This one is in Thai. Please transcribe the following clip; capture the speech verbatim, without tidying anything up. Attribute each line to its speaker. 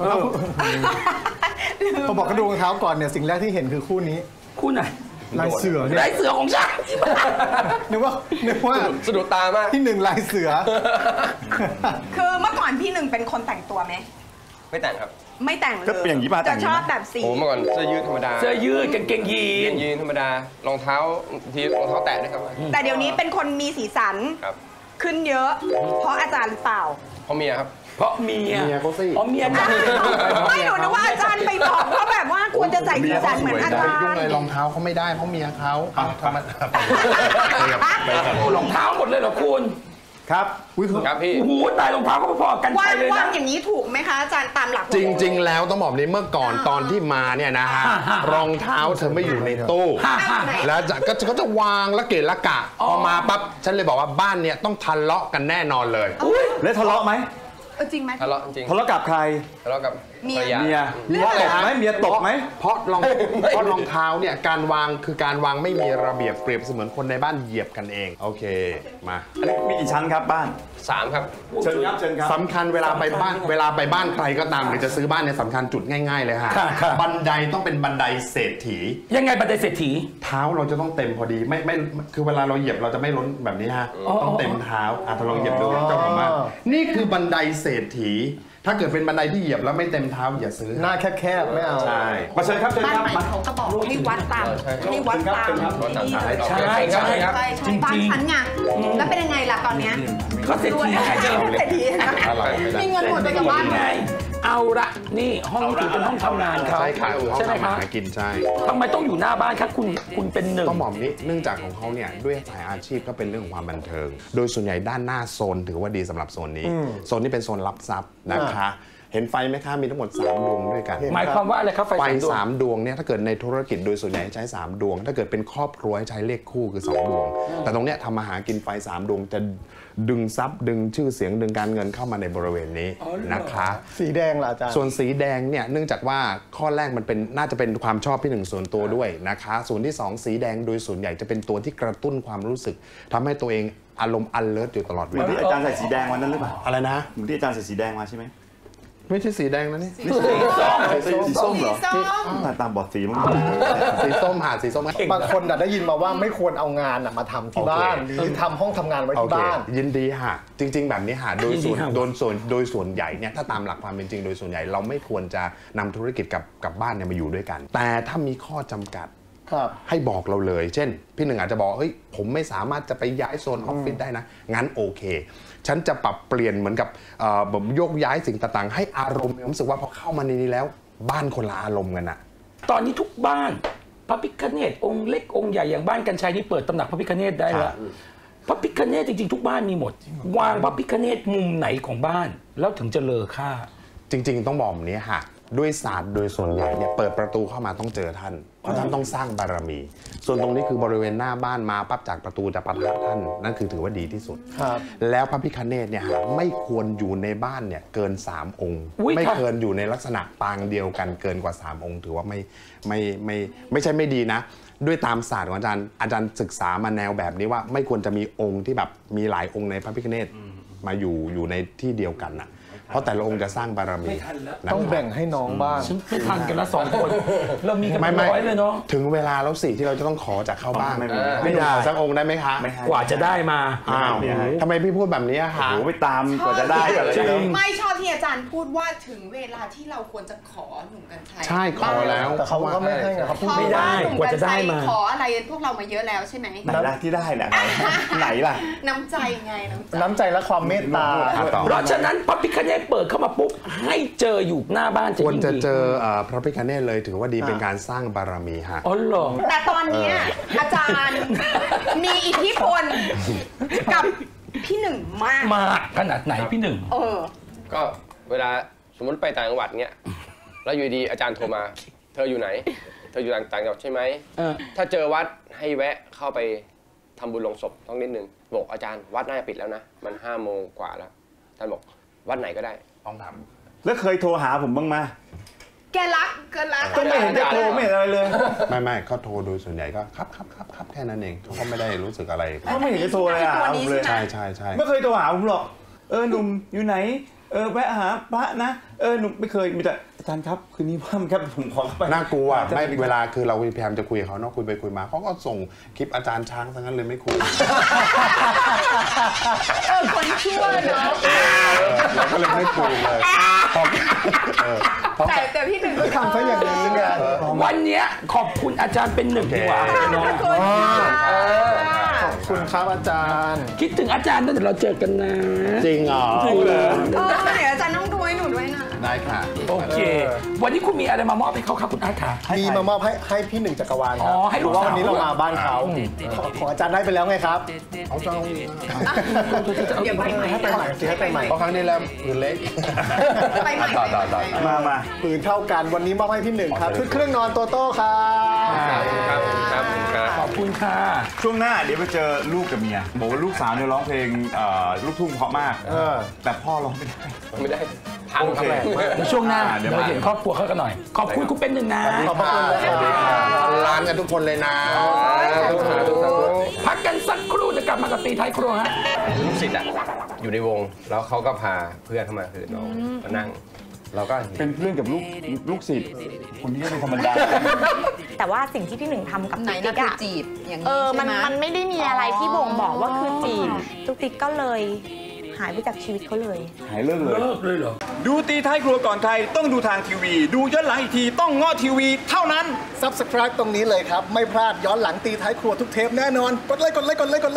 Speaker 1: พอบอกกระดูกรองเท้าก่อนเนี่ยสิ่งแรกที่เห็นคือคู่นี้
Speaker 2: คู่ไหน
Speaker 1: ลายเสือ
Speaker 2: ลายเสือของฉัน
Speaker 1: นึกว่านึกว่า
Speaker 3: สะดุดตามาก
Speaker 1: พี่หนึ่งลายเสือ
Speaker 4: คือเมื่อก่อนพี่หนึ่งเป็นคนแต่งตัวไหม
Speaker 3: ไม่แต่งครับ
Speaker 4: ไม่แต่งเลย
Speaker 5: ก็เปลี่ยนยี่ห้อ
Speaker 4: จะชอบแบบสี
Speaker 3: โอ้เมื่อก่อนเสื้อยืดธรรมดา
Speaker 2: เสื้อยืดกางเกงยีน
Speaker 3: ยีนธรรมดารองเท้าทีรองเท้าแตะด้วยครับ
Speaker 4: แต่เดี๋ยวนี้เป็นคนมีสีสันขึ้นเยอะเพราะอาจารย์หรือเปล่า
Speaker 3: เพราะเมียครับ
Speaker 2: เพราะเมีย
Speaker 5: เมียเขาสิ
Speaker 2: เพราะเมียนะ
Speaker 4: ไม่หนูนึกว่าอาจารย์ไปบอกเขาแบบว่าควรจะใส่สีสันเหมือนอาจารย์ยุ่ง
Speaker 5: เลยรองเท้าเขาไม่ได้เพราะเมียเขาทำไม
Speaker 2: รองเท้าหมดเลยเหรอคุณ
Speaker 5: ครับ
Speaker 3: ครับพี่
Speaker 2: โอ้โหตายรองเท้าก็พอๆกันไปเลยนะ
Speaker 4: วางอย่างนี้ถูกไหมคะอาจารย์ตามหลัก
Speaker 5: จริงๆแล้วต้องบอกนี้เมื่อก่อนตอนที่มาเนี่ยนะฮะรองเท้าเธอไม่อยู่ในตู้แล้วก็เขาจะวางละเกะละกะพอมาปั๊บฉันเลยบอกว่าบ้านเนี่ยต้องทะเลาะกันแน่นอนเลย
Speaker 1: แล้วทะเลาะไหม
Speaker 4: จริงไหม
Speaker 3: ทะเลาะจริง
Speaker 1: ทะเลาะกับใคร
Speaker 3: ทะเลาะกับ
Speaker 4: เมีย
Speaker 1: เมียเมียตบไหมเมียตบไหม
Speaker 5: เพราะรองเพราะรองเท้าเนี่ยการวางคือการวางไม่มีระเบียบเปรียบเสมือนคนในบ้านเหยียบกันเองโอเคมา
Speaker 1: มีกี่ชั้นครับบ้าน
Speaker 3: สามครับ
Speaker 1: เชิญครับเชิญครับ
Speaker 5: สำคัญเวลาไปบ้านเวลาไปบ้านใครก็ตามหรือจะซื้อบ้านเนี่ยสำคัญจุดง่ายๆเลยฮะบันไดต้องเป็นบันไดเศรษฐี
Speaker 2: ยังไงบันไดเศรษฐี
Speaker 5: เท้าเราจะต้องเต็มพอดีไม่ไม่คือเวลาเราเหยียบเราจะไม่ล้นแบบนี้ฮะต้องเต็มเท้าอ่ะทดลองเหยียบดูเจ้าของบ้านนี่คือบันไดเศรษฐีถ้าเกิดเป็นบันไดที่เหยียบแล้วไม่เต็มเท้าอย่าซื้อ
Speaker 1: หน้าแคบๆไม่เอา
Speaker 5: ใช่
Speaker 1: มาเชิญครับเชิญครับ
Speaker 4: บ้านใหม่เขาก็บอกให้วัดตามให้วัดตาม
Speaker 2: ใช่ใช่ครับ
Speaker 4: จริงจริงบ้านฉันไงแล้วเป็นยังไงล่ะตอนเนี้ย
Speaker 2: ก็เศรษฐี
Speaker 4: เศรษฐีมีเงินหมดไปกับบ้าน
Speaker 2: ไงเอาละนี่ห้องถือเป็นห้องทำงานเขา
Speaker 5: ใช่ค่ะ
Speaker 2: ใช่ไหมครับ
Speaker 5: กินใช่
Speaker 2: ทำไมต้องอยู่หน้าบ้านครับคุณคุณเป็นหนึ่ง
Speaker 5: ต้องบอกนี้เนื่องจากของเขาเนี่ยด้วยสายอาชีพก็เป็นเรื่องของความบันเทิงโดยส่วนใหญ่ด้านหน้าโซนถือว่าดีสำหรับโซนนี้โซนนี้เป็นโซนรับทรัพย์นะคะเห็นไฟไหมคะมีทั้งหมดสามดวงด้วยกัน
Speaker 2: หมายความว่าอะไรครับ
Speaker 5: ไฟสามดวงเนี่ยถ้าเกิดในธุรกิจโดยส่วนใหญ่ใช้สามดวงถ้าเกิดเป็นครอบครัวใช้เลขคู่คือสองดวงแต่ตรงเนี้ยทำมาหากินไฟสามดวงจะดึงทรัพย์ดึงชื่อเสียงดึงการเงินเข้ามาในบริเวณนี้นะคะ
Speaker 1: สีแดงล่ะอาจารย์
Speaker 5: ส่วนสีแดงเนี่ยเนื่องจากว่าข้อแรกมันเป็นน่าจะเป็นความชอบพี่หนึ่งส่วนตัวด้วยนะคะส่วนที่สองสีแดงโดยส่วนใหญ่จะเป็นตัวที่กระตุ้นความรู้สึกทำให้ตัวเองอารมณ์ alert อยู่ตลอดเวลา
Speaker 1: อาจารย์ใส่สีแดงวันนั้นหรือเปล่า
Speaker 5: อะไรนะ
Speaker 1: เหมือนที่อาจารย์ใส่สีแดงมาใช่ไหม
Speaker 5: ไม่ใช่สีแดงนะนี่
Speaker 2: สีส้ม
Speaker 1: สีส้มเหรอตามบอดสีมั้ง
Speaker 5: สีส้มหาสีส้ม
Speaker 1: บางคนได้ยินมาว่าไม่ควรเอางานมาทำที่บ้านหรือทำห้องทำงานไว้ที่บ้าน
Speaker 5: ยินดีฮะจริงๆแบบนี้ฮะโดยส่วนโดยส่วนโดยส่วนใหญ่เนี่ยถ้าตามหลักความเป็นจริงโดยส่วนใหญ่เราไม่ควรจะนำธุรกิจกับกับบ้านเนี่ยมาอยู่ด้วยกันแต่ถ้ามีข้อจำกัดให้บอกเราเลยเช่นพี่หนึ่งอาจจะบอกเฮ้ยผมไม่สามารถจะไปย้ายโซนออฟฟิศได้นะงั้นโอเคฉันจะปรับเปลี่ยนเหมือนกับแบบโยกย้ายสิ่งต่างๆให้อารมณ์รู้สึกว่าพอเข้ามาในนี้แล้วบ้านคนละอารมณ์กันอะ
Speaker 2: ตอนนี้ทุกบ้านพระพิฆเนศองค์เล็กองค์ใหญ่อย่างบ้านกัญชัยนี่เปิดตำหนักพระพิฆเนศได้แล้วพระพิฆเนศจริงๆทุกบ้านมีหมดวางพระพิฆเนศมุมไหนของบ้านแล้วถึงจะเลอค่า
Speaker 5: จริงๆต้องบอกแบบนี้ฮะด้วยศาสตร์โดยส่วนใหญ่เนี่ยเปิดประตูเข้ามาต้องเจอท่านเพราะท่านต้องสร้างบารมีส่วนตรงนี้คือบริเวณหน้าบ้านมาปั๊บจากประตูจะปะทะท่านนั่นคือถือว่าดีที่สุดแล้วพระพิฆเนศเนี่ยไม่ควรอยู่ในบ้านเนี่ยเกินสามองค์ไม่เกินอยู่ในลักษณะปางเดียวกันเกินกว่าสามองค์ถือว่าไม่ไม่ไม่ไม่ใช่ไม่ดีนะด้วยตามศาสตร์ของอาจารย์อาจารย์ศึกษามาแนวแบบนี้ว่าไม่ควรจะมีองค์ที่แบบมีหลายองค์ในพระพิฆเนศมาอยู่อยู่ในที่เดียวกันนะเพราะแต่ละองค์จะสร้างบารมี
Speaker 1: ต้องแบ่งให้น้องบ้าง
Speaker 2: ไม่ทันกันละสองคนเรามีกันร้อยเลยเนาะ
Speaker 5: ถึงเวลาแล้วสิที่เราจะต้องขอจากเข้าบ้านไม่ได้สักองค์ได้ไหมคะ
Speaker 2: กว่าจะได้มา
Speaker 5: อ้าวทำไมพี่พูดแบบนี้คะ
Speaker 1: โอ้ไปตามกว่าจะได้กันเลย
Speaker 4: ไม่ชอบที่อาจารย์พูดว่าถึงเวลาที่เราควรจะขอหนุ่มกัญชัย
Speaker 5: ใช่ขอแล้ว
Speaker 1: แต่เขาก็ไม่ให้เขาพูด
Speaker 2: ไม่ได้กว่าจะได้มา
Speaker 4: ขออะไรพวกเรามาเยอะแล้วใช่ไหม
Speaker 1: ไหนล่ะที่ได้เนี่ยไหนล่ะ
Speaker 4: น้ำใจไง
Speaker 1: น้ำใจและความเมตตา
Speaker 2: เพราะฉะนั้นพระพิฆเนศเปิดเข้ามาปุ๊บให้เจออยู่หน้าบ้านจะ
Speaker 5: ควรจะเจอพระพิฆเนศเลยถือว่าดีเป็นการสร้างบารมีฮะ
Speaker 2: อ๋อเหรอ
Speaker 4: แต่ตอนนี้อาจารย์มีอิทธิพลกับพี่หนึ่งมาก
Speaker 2: มากขนาดไหนพี่หนึ่ง
Speaker 4: เออ
Speaker 3: ก็เวลาสมมติไปต่างจังหวัดเงี้ยแล้วอยู่ดีอาจารย์โทรมาเธออยู่ไหนเธออยู่ต่างจังหวัดใช่ไหมถ้าเจอวัดให้แวะเข้าไปทำบุญลงศพต้องนิดนึงบอกอาจารย์วัดน่าจะปิดแล้วนะมันห้าโมงกว่าแล้วอาจารย์บอกวัดไหนก็ได้ต้องท
Speaker 1: ำแล้วเคยโทรหาผมบ้างไหม
Speaker 4: แกรักแกรัก
Speaker 1: ก็ไม่เห็นจะโทรไม่เห็นอะไรเลย
Speaker 5: ไม่ไม่เขาโทรโดยส่วนใหญ่ก็ครับครับครับครับแค่นั้นเองเขาก็ไม่ได้รู้สึกอะไร
Speaker 1: เขาไม่เห็นจะโทรเลยอ่ะ
Speaker 5: ใช่ใช่ใช่
Speaker 1: ไม่เคยโทรหาผมหรอกเออหนุ่มอยู่ไหน
Speaker 6: เออแวะหาพระนะเออหนูไม่เคยมีแต่อาจารย์ครับคืนนี้ว่างครับผมขอเข้าไป
Speaker 5: น่ากลัวไม่เวลาคือเราพยายามจะคุยกับเขาเนาะคุยไปคุยมาเขาก็ส่งคลิปอาจารย์ช้างทั้งนั้นเลยไม่คุย
Speaker 4: เออคนชั่วเนาะ
Speaker 5: เราก็เลยไม่คุยเลยพอเออพอ
Speaker 4: แต่แต่พี่หนึ่งก็
Speaker 1: ทำซะอย่างนี้ไง
Speaker 2: วันเนี้ยขอบคุณอาจารย์เป็นหนึ่งดีกว่าเนาะ
Speaker 4: ขอบคุณค่ะ
Speaker 1: ขอบคุณครับอาจารย์
Speaker 2: คิดถึงอาจารย์ตั้งแต่เราเจอกันนะ
Speaker 5: จริงเหรอ
Speaker 4: เออเดี๋ยวอาจารย์ต้องดูให้หนูด้วยนะ
Speaker 5: ได้ค่ะ
Speaker 2: โอเค วันนี้คุณมีอะไรมามอบให้เขาครับคุณอาร์ตค่ะ
Speaker 1: มีมามอบให้ให้พี่หนึ่งจักรวาลค
Speaker 2: อ๋
Speaker 1: รั
Speaker 2: อให้ลูก
Speaker 1: เพราะว่า
Speaker 2: สาว
Speaker 1: วันนี้เรามาบ้านเขาของของอาจารย์ได้ไปแล้วไงครับ
Speaker 5: เอาเจ้า
Speaker 4: เดี๋ยวไปใหม่
Speaker 1: ให้ไปใหม่สิให้ไปใหม่
Speaker 5: เพราะครั้งนี้แล้วคือเล็ก
Speaker 4: ไปใหม่
Speaker 5: ต่อต่อต่อ
Speaker 6: มามา
Speaker 1: ปืนเท่ากันวันนี้มอบให้พี่หนึ่งครับชุดเครื่องนอนโตโต้ครับ
Speaker 3: ครับครับครับ
Speaker 2: ขอบคุณค่ะ
Speaker 6: ช่วงหน้าเดี๋ยวไปเจอลูกกับเมียบอกว่าลูกสาวเนี่ยร้องเพลงเอ่อลูกทุ่งเพราะมาก
Speaker 1: เออ
Speaker 6: แต่พ่อร้องไม่ได้
Speaker 3: ไม่ได้พัง
Speaker 6: โอ
Speaker 3: ค
Speaker 6: เค
Speaker 3: รับ
Speaker 2: เดี๋ยวช่วงหน้า
Speaker 6: เดี๋
Speaker 2: เดี๋
Speaker 6: ย
Speaker 2: ยว ว
Speaker 6: มา
Speaker 2: เห็นครอบครัวเขากันหน่อย ขอบคุณคุณเป็นหนึ่งนะ
Speaker 1: ขอบพระคุณนะครับ
Speaker 5: ร้านกันทุกคนเลยนะ
Speaker 2: พักกันสักครู่จะกลับมากับตีท้ายครัวฮะ
Speaker 3: ลูกศิษย์อ่ะอยู่ในวงแล้วเขาก็พาเพื่อนเข้ามาคือน้องมานั่ง เราก็
Speaker 6: เป็นเพื่อนกับลูกลูกศิษย์คนนี้ก็เป็นธรรมดา
Speaker 7: แต่ว่าสิ่งที่พี่หนึ่งทำกับ
Speaker 4: ไหน
Speaker 7: ตุ๊ก
Speaker 4: นะ
Speaker 7: ติ๊ก
Speaker 4: คือ
Speaker 7: อะ
Speaker 4: จีบอย่าง
Speaker 7: เอ
Speaker 4: นี้
Speaker 7: อ
Speaker 4: ใช่
Speaker 7: มัน
Speaker 4: ไหม
Speaker 7: มันไม่ได้มีอะไรที่บ่งบอกว่าคือจีบ
Speaker 4: อ๋อ
Speaker 7: ตุ๊กติ๊กก็เลยหายไปจากชีวิตเขาเลย
Speaker 6: หายเลิกเลย
Speaker 2: เลิกเลยเหรอ
Speaker 6: ดูตีท้ายครัวก่อนใครต้องดูทางทีวี ดูย้อนหลังอีกทีต้องง้อทีวีเท่านั้น
Speaker 1: Subscribe ตรงนี้เลยครับ ไม่พลาดย้อนหลังตีท้ายครัวทุกเทปแน่นอน กดไลค์กดไลค์กดไลค์กดไลค์